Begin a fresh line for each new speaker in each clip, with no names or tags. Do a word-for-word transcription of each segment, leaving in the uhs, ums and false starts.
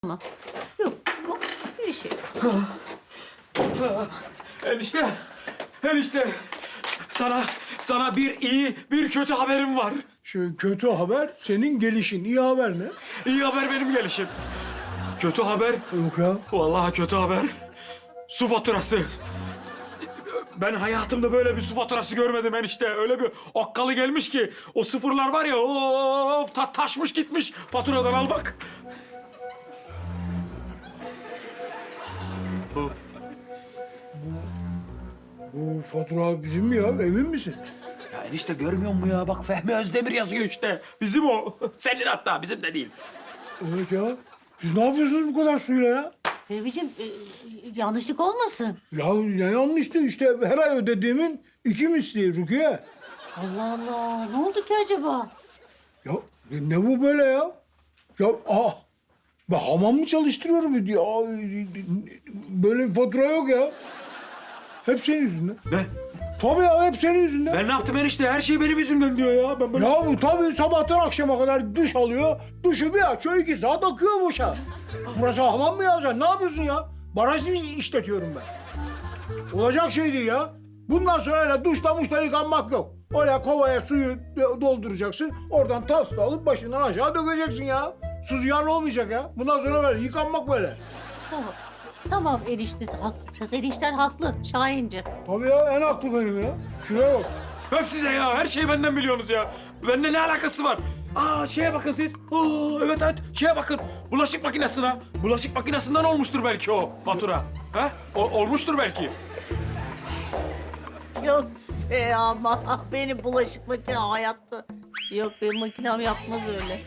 mı? Yok, yok. Bir şey yok.
Enişte, enişte. Sana, sana bir iyi, bir kötü haberim var.
Şu kötü haber senin gelişin. İyi haber ne?
İyi haber benim gelişim. Kötü haber,
Yok ya.
vallahi kötü haber. Su faturası. Ben hayatımda böyle bir su faturası görmedim enişte. Öyle bir okkalı gelmiş ki o sıfırlar var ya, of ta taşmış gitmiş faturadan, al bak.
Bu fatura bizim mi ya? Emin misin?
Ya enişte görmüyor musun ya? Bak Fehmi Özdemir yazıyor işte. Bizim o. Senin hatta, bizim de değil.
Evet ya. Siz ne yapıyorsunuz bu kadar suyla ya?
Fehmi'ciğim e, yanlışlık olmasın.
Ya ne yanlıştı işte her ay ödediğimin iki misli Rukiye.
Allah Allah. Ne oldu ki acaba?
Ya ne bu böyle ya? Ya aa, ben hamam mı çalıştırıyorum? Ya, böyle bir fatura yok ya. Hep senin yüzünden.
Ne?
Tabii ya hep senin yüzünden.
Ben ne yaptım enişte? Her şey benim yüzümden diyor ya. Ben böyle...
Ya bu tabii sabahtan akşama kadar duş alıyor. Duşu bir açıyor iki saat akıyor boşa. Burası hamam mı ya sen? Ne yapıyorsun ya? Baraj mı işletiyorum ben? Olacak şey değil ya. Bundan sonra öyle duşta muşta yıkanmak yok. Öyle kovaya suyu dolduracaksın. Oradan tasla alıp başından aşağı dökeceksin ya. Su ziyan olmayacak ya. Bundan sonra böyle yıkanmak böyle.
Tamam. Tamam eniştesi. Hak, kız enişten haklı. Şahinci.
Tabii ya en haklı benim ya. Şuraya bak.
Öp size ya. Her şeyi benden biliyorsunuz ya. Bende ne alakası var? Aa şeye bakın siz. Aa, evet evet şeye bakın. Bulaşık makinesine. Bulaşık makinesinden olmuştur belki o fatura. Ha? O, olmuştur belki.
Yok be ama benim bulaşık makine hayatta. Yok benim makinem yapmaz öyle.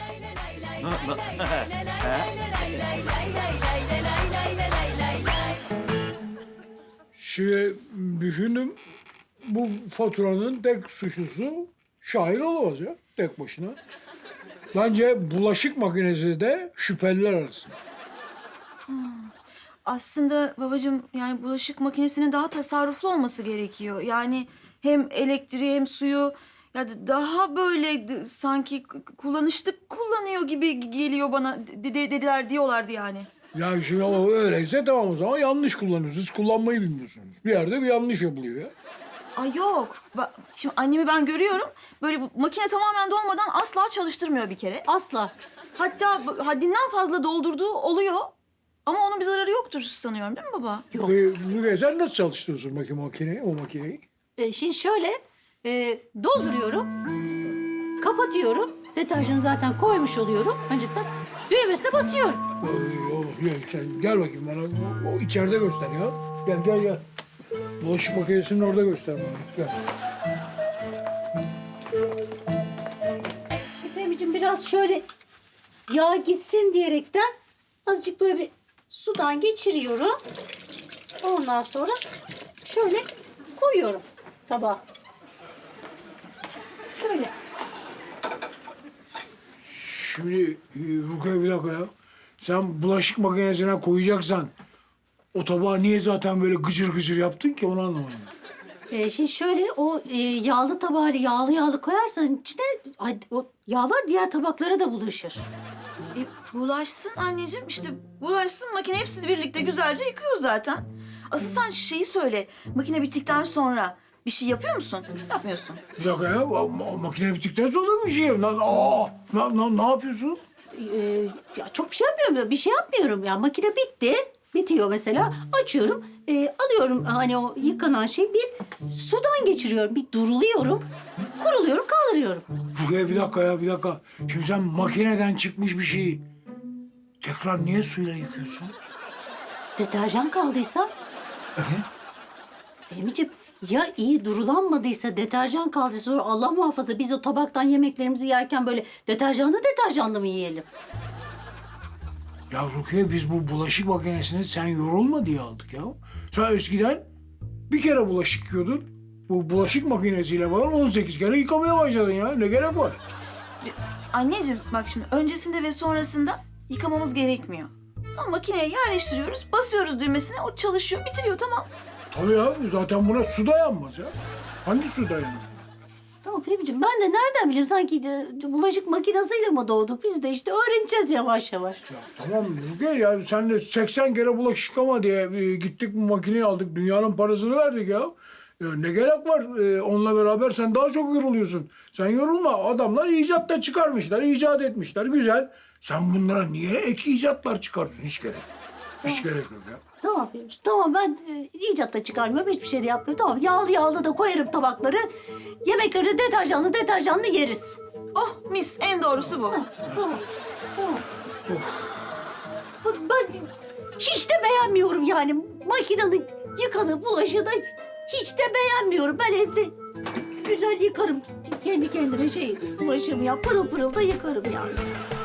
Şimdi düşündüm. Bu faturanın tek suçlusu Şahin olamaz ya tek başına. Bence bulaşık makinesi de şüpheliler arasında.
Aslında babacığım yani bulaşık makinesinin daha tasarruflu olması gerekiyor. Yani hem elektriği hem suyu ya d- daha böyle d- sanki k- kullanışlı kullanıyor gibi geliyor bana de- de- dediler diyorlardı yani.
Ya şimdi o öyleyse tamam o zaman yanlış kullanıyorsunuz. Siz kullanmayı bilmiyorsunuz. Bir yerde bir yanlış yapılıyor ya.
Ay yok. Ba- Şimdi annemi ben görüyorum. Böyle bu makine tamamen dolmadan asla çalıştırmıyor bir kere.
Asla.
Hatta bu- haddinden fazla doldurduğu oluyor. Ama onun bir zararı yoktur sanıyorum değil mi baba?
Yok.
Ee, bu- sen nasıl çalıştırıyorsun makine, makineyi, o makineyi?
E, şimdi şöyle e, dolduruyorum. Kapatıyorum. Deterjanı zaten koymuş oluyorum. Öncesinden düğmesine basıyorum.
Ee, o, ya sen gel bakayım bana. O, o içeride göster ya. Gel gel gel. Bulaşık makinesini orada göster bana. Gel.
Şimdi Fehmi'ciğim biraz şöyle yağ gitsin diyerekten azıcık böyle bir sudan geçiriyorum. Ondan sonra şöyle koyuyorum tabağa. Şöyle.
Şimdi e, Rukiye bir dakika ya. Sen bulaşık makinesine koyacaksan o tabağı niye zaten böyle gıcır gıcır yaptın ki onu anlamadım.
Ee, şimdi şöyle o e, yağlı tabağı yağlı yağlı koyarsan içine ay, o yağlar diğer tabaklara da bulaşır.
E, bulaşsın anneciğim işte bulaşsın makine hepsini birlikte güzelce yıkıyor zaten. Asıl sen şeyi söyle makine bittikten sonra bir şey yapıyor musun? Yapmıyorsun.
Bir dakika ya. ma- makine bittikten sonra bir şey yap. Lan, aa, na, na, ne yapıyorsun?
Ee, ya çok bir şey yapmıyorum. Bir şey yapmıyorum ya. Makine bitti. Bitiyor mesela. Açıyorum. e, alıyorum hani o yıkanan şeyi bir sudan geçiriyorum. Bir duruluyorum. Kuruluyorum, kaldırıyorum.
Rukiye bir dakika ya bir dakika. Şimdi sen makineden çıkmış bir şeyi tekrar niye suyla yıkıyorsun?
Deterjan kaldıysa... Fehmi'ciğim ya iyi durulanmadıysa, deterjan kaldıysa sonra Allah muhafaza biz o tabaktan yemeklerimizi yerken böyle deterjanlı deterjanlı mı yiyelim?
Ya Rukiye biz bu bulaşık makinesini sen yorulma diye aldık ya. Sen eskiden bir kere bulaşık yıkıyordun. Bu bulaşık makinesiyle falan on sekiz kere yıkamaya başladın ya. Ne gerek var?
Anneciğim bak şimdi öncesinde ve sonrasında yıkamamız gerekmiyor. Tamam makineye yerleştiriyoruz, basıyoruz düğmesine, o çalışıyor, bitiriyor tamam.
Tabii ya zaten buna su dayanmaz ya. Hangi su dayanır?
Tamam Fehmi'ciğim ben de nereden bileyim sanki de bulaşık makinesiyle mi doğduk? Biz de işte öğreneceğiz yavaş yavaş.
Ya tamam Müge ya sen de seksen kere bulaşık yıkama diye e, gittik bu makineyi aldık. Dünyanın parasını verdik ya. Ya ne gerek var? E, onunla beraber sen daha çok yoruluyorsun. Sen yorulma. Adamlar icat da çıkarmışlar, icat etmişler. Güzel. Sen bunlara niye ek icatlar çıkartıyorsun? Hiç gerek yok. Hiç gerek yok ya.
Tamam Fehmi'ciğim tamam ben e, icat da çıkarmıyorum hiçbir şey de yapmıyorum. Tamam yağlı yağlı da koyarım tabakları. Yemekleri de deterjanlı deterjanlı yeriz.
Oh mis en doğrusu bu.
Tamam tamam. Bak ben hiç de beğenmiyorum yani. Makinenin yıkadığı bulaşığı da hiç de beğenmiyorum. Ben evde güzel yıkarım kendi kendime şey bulaşığımı ya pırıl pırıl da yıkarım yani.